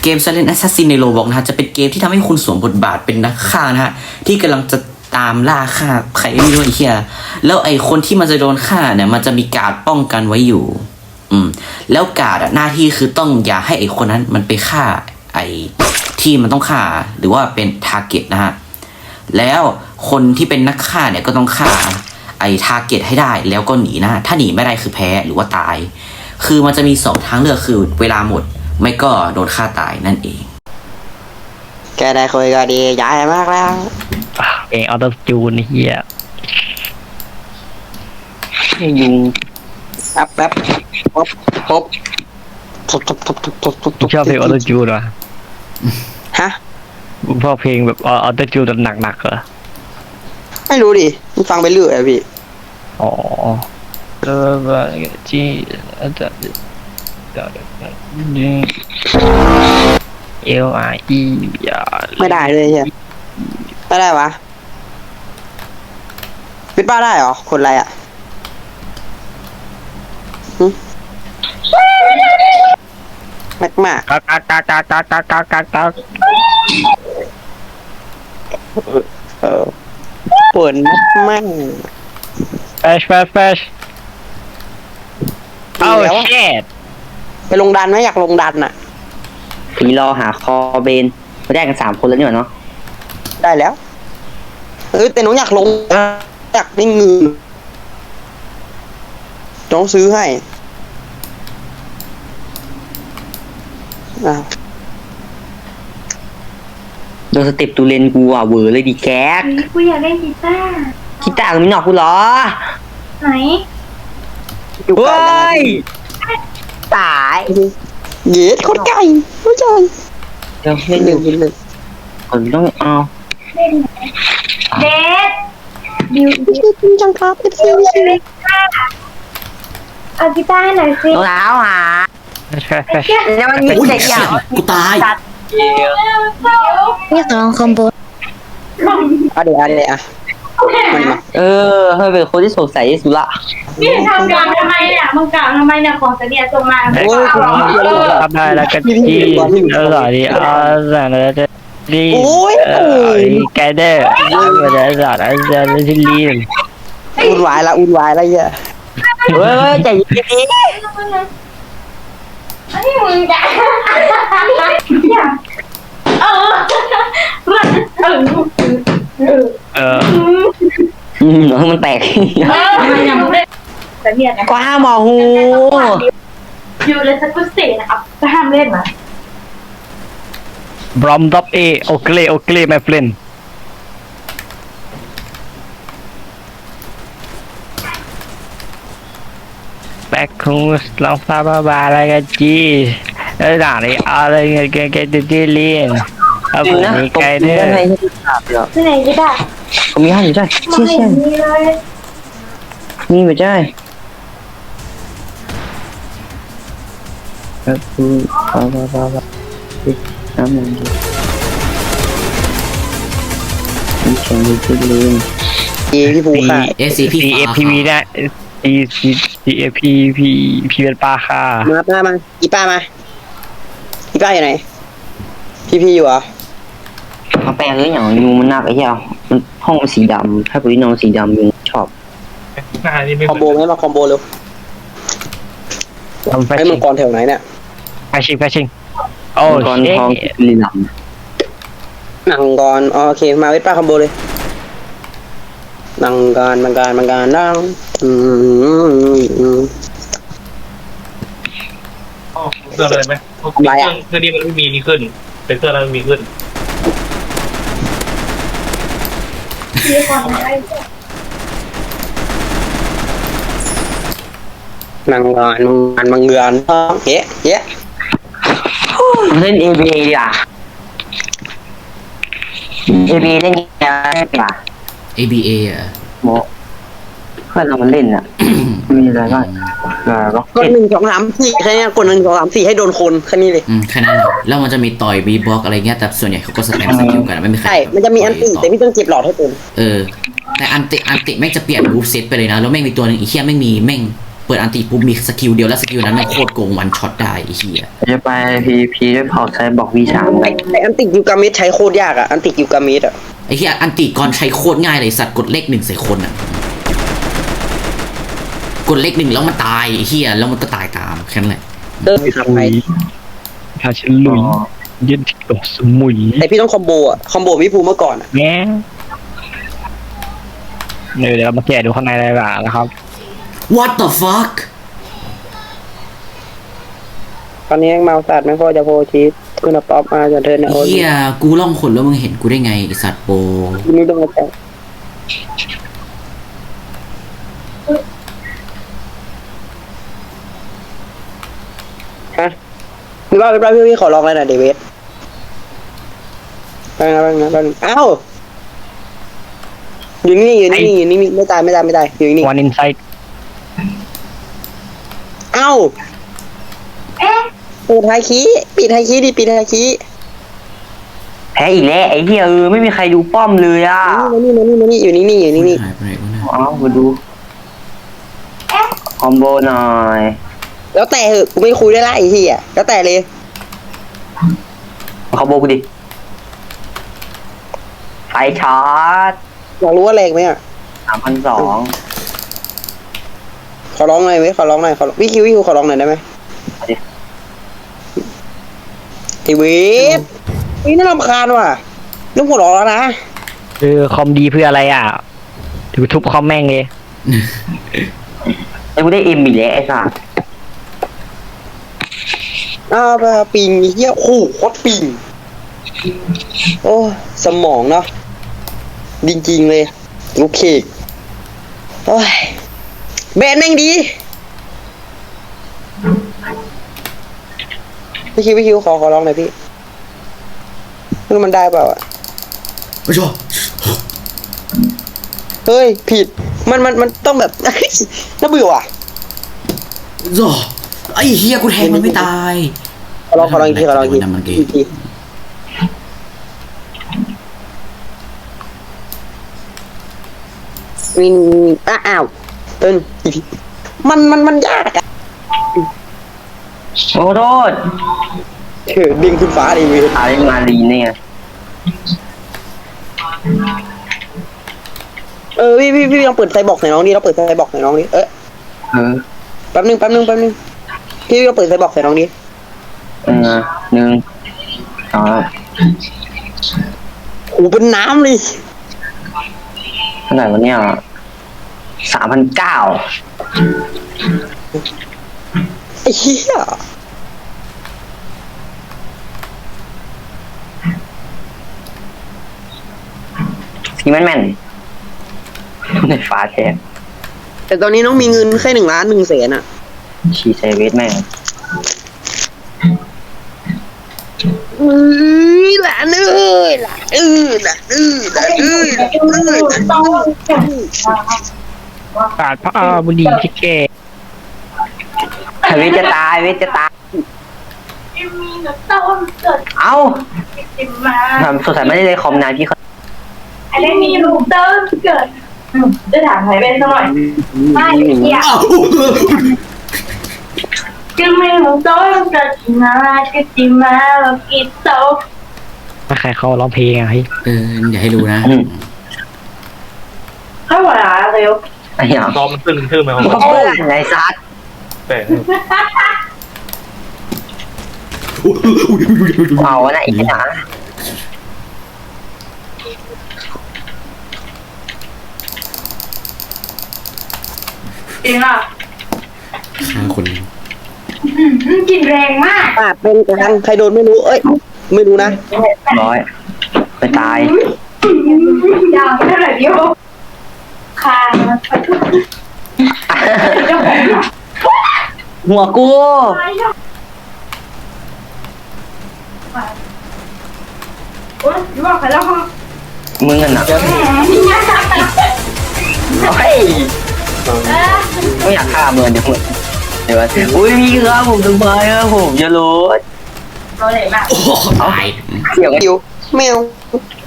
เกม Silent Assassin ใน Roblox นะฮะจะเป็นเกมที่ทำให้คุณสวมบทบาทเป็นนักฆ่านะฮะที่กำลังจะตามล่าฆ่าใครไม่รู้ไอ้เหี้ยแล้วไอ้คนที่มันจะโดนฆ่าเนี่ยมันจะมีการ์ดป้องกันไว้อยู่แล้วการ์ดหน้าที่คือต้องอย่าให้ไอ้คนนั้นมันไปฆ่าไอ้ที่มันต้องฆ่าหรือว่าเป็นทาร์เก็ตนะฮะแล้วคนที่เป็นนักฆ่าเนี่ยก็ต้องฆ่าไอ้ทาร์เก็ตให้ได้แล้วก็หนีนะถ้าหนีไม่ได้คือแพ้หรือว่าตายคือมันจะมี2ทางเลือกคือเวลาหมดไม่ก็โดนฆ่าตายนั่นเองแกได้คุยก็ดีใหญ่มากแล้วเองออโต้จูนเฮียยุงแป๊บพบชอบเพลงออโต้จูนวะฮะชอบเพลงแบบออโต้จูนแบบหนักๆเหรอไม่รู้ดิมันฟังไปเรื่อยอะพี่อ๋อที่LRE ไม่ได้เลยใช่ไม่ได้วะปิดป้าได้เหรอคนอะไรอ่ะมากปวดมากแฟชเอ้าเช็ดไปลงดันไหมอยากลงดันอ่ะผีรอหาคอเบนมาได้กัน3 คนแล้วนี่หว่าเนาะได้แล้วแต่หนูอยากลงอยากได้เงินต้องซื้อให้โดนสเต็ปตูเลนกูอ่ะเวอร์เลยดิแก๊กกูอยากเล่นกีตาร์มีหนอกกูเหรอไหนเฮ้ยตายเย็ดคนไก่ผู้ชายเดี๋ยวเล่นเลยผมต้องเอาเด็ดบิวจริงจังครับเป็นซิวเอากีตาร์ให้หน่อยสิรองเท้าหาแล้วมันมีเสียงกูตายอยากลองคอมโบเดี๋ยวอ่ะให้เป็นคนที่สงสัยที่สุดละนี่ทำกลางทำไมเนี่ยมึงกลางทำไมเนี่ยของเสนียส่งมาทำได้แล้วกันจีอร่อยดีสั่งแล้วจะดีแกเดอร์เดี๋ยวสั่งแล้วจะที่ลีนอุ่นวายละเยอะเฮ้ยใจเย็นๆอันนี้มึงจะน้องมันแตกก็ห้ามมอหูอยู่เลยสักกุศลนะครับก็ห้ามเล่นนะบรอมดับโอเค my friendแบกคงลองฟาบาอะไรกันจีแล้วด่าอะไรเงี้ยแกจะจีเลียนเอาผมมีไกด์ด้วยที่ไหนก็ได้ผมมี5อยู่ใช่เชี่ยมีไม่ใช่ก็คือน้ำมันดีมีแข่งดูที่เลนพี่ภูค่ะ CAPV นะCAPV เป็นปลาค่ะมาอีป้าอยู่ไหนพี่อยู่เหรอเขาแปลงเลยอย่างยูมันหนักไอ้เหี้ยห้องมันสีดำถ้าปุ๋ยนอนสีดำยูชอบคอมโบไหมมาคอมโบเร็วให้มังกรแถวไหนเนี่ยแฟชิงโอ้มังกรทองลีลำมังกรโอเคมาเวทป้าคอมโบเลยมังกรนั่งเสื้ออะไรไหมเสื้อนี้มันไม่มีขึ้นเป็นเสื้อแล้วมันมีขึ้นมังเงือนเฮ้เล่น ABA ดีอ่ะ ABA เล่นยังไงป่ะ ABA อ่ะโมเพื่อนเรามันเล่นอ่ะมีอะไรบ้างกด1 2 3 4แค่นี้กด1 2 3 4ให้โดนคนแค่นี้เลยแค่นั้นแล้วมันจะมีต่อยบีบล็อกอะไรเงี้ยแต่ส่วนใหญ่เขาก็สแปมสกิลกันไม่มีใครใช่มันจะมีอันติแต่พี่ต้องเก็บหลอดให้เต็มแต่อันติแม่งจะเปลี่ยนรูปเซตไปเลยนะแล้วแม่งมีตัวนึงอีเหี้ยแม่งมีเปิปิดอันติปุ๊บมีสกิลเดียวแล้วสกิลนั้นมันโคตรโกงวันช็อตได้ไอ้เหี้ยจะไปพีด้วยเผาใช้บอกV3ไปไออันติกิวกามิดใช้โคตรยากอ่ะอันติกิวกามิดอ่ะไอ้เหี้ยอันติก่อนใช้โคตรง่ายเลยสัตว์กดเลขหนึ่งใส่คนอ่ะกดเลขหนึ่งแล้วมันตายไอ้เหี้ยแล้วมันก็ตายตามแค่นั้นแหละเดินทำไปถ้าฉันลุยยืนที่เกาะสมุยแต่พี่ต้องคอมโบอ่ะคอมโบพี่ภูเมื่อก่อนอ่ะแง่เดี๋ยวเรามาแกะดูข้างในอะไรบ้างนะครับ What the fuck ตอนนี้แม่งเมาสัตว์แม่งโคตรจะโพชีสคุณป๊อปมาจนเธอเนี่ยโอ้ยเหี้ยกูล่องขนแล้วมึงเห็นกูได้ไงไอสัตว์โปนี่ต้องมาแตะฮะพี่ว่าพี่ขอลองเลยนะเดวิดไปนะอ้าวอยู่นี่อยู่นี่ไม่ตายอยู่นี่วันอินไซต์เอ้าเอ๊ะปิดไฮคีปิดไฮคีแพ้อีกแล้วไอ้เหี้ยไม่มีใครดูป้อมเลยอ่ะมานี่อยู่นี่หายไปไหนวะเนี่ยเอามาดูคอมโบหน่อยแล้วแต่เหอะกูไม่คุยได้ละไอ้เหี้ยแล้วแต่เลยคอมโบกูดิไฟช็อตอยากรู้ว่าแรงไหมอ่ะ 3,200 ขอร้องหน่อยวิคิวขอร้องหน่อยได้ไหมไอ้เวทนี่น่ารำคาญว่ะเรื่องหัวร้อนแล้วนะคือคอมดีเพื่ออะไรอ่ะถือทุบคอมแม่งเลยไอ้กูได้เอ็มอีกแล้วไอ้สัสอ้าวไปปิงไอ้เหี้ยโอ้โหโคตรปิงโอ้สมองเนาะจริงๆเลยลูกเคกโอ้ยแบนแม่งดีพี่คิวขอร้องหน่อยพี่ไม่รู้มันได้เปล่าอ่ะไม่ชอบเฮ้ยผิดมันต้องแบบ น่าเบื่อว่ะจ้ะไอ้เหี้ยกูแทงมันไม่ตายขอลองอีกทีมันเกย์อีกทีวินอ้าวเอินอีกทีมันยากอะโอ้โทษดึงขึ้นฟ้าดิเว้ยอาเล่นมาลีเนี่ยพี่ลองเปิดไซบอกหน่อยน้องดิเราเปิดไซบอกหน่อยน้องดิเออแป๊บนึงพี่เราเปิดไซบอกใส่น้องดิ 1 2 โอ้เป็นน้ำเลยเท่าไหร่วะเนี่ย3,900 ไอ้เหี้ยซีแมนในฟ้าแทนแต่ตอนนี้น้องมีเงินแค่1,100,000อ่ะชีเซเวสแม่งหลานเอ้ยหลานเอ้ยปาดพระอาบุดีที่แกเวทจะตายมีน้ำต้มเกิดเอ้าขึ้นมาทำสงสัยไม่ได้เลยคอมนานพี่เขาอันนี้มีลูกเต้มเกิดจะถามใครเป็นสักหน่อยไม่เกี่ยวอ้าวจึงมีลูกเต้มเกิดมาก็จิมาแล้วกินโตถ้าใครเขาร้องเพลงอะเฮ้ยอย่าให้รู้นะให้หัวหน้าเร็วไอ้เหี้ยตอมมันตึ้งไหมครับเขาเพื่อนไอ้ซัดแต่เอาวะนะไอ้หนาจริงอ่ะฆ่าคนหนึ่งกินแรงมากปาดเป็นกลางใครโดนไม่รู้ไม่รู้นะ 100ไปตายยาวเท่าไหร่เดียวคาเจ้าของหัวกูโอ๊ยอยู่บอกใครแล้วค่ะมึงอ่ะนะแหมนี่ไงเฮ้ยไม่อยากฆ่ามึงเดี๋ยวมึงเดี๋ยวอุ้ยพี่ครับผมต้องไปครับผมจะรู้เราเลยมากโอ้ตายเสียงคิวแมว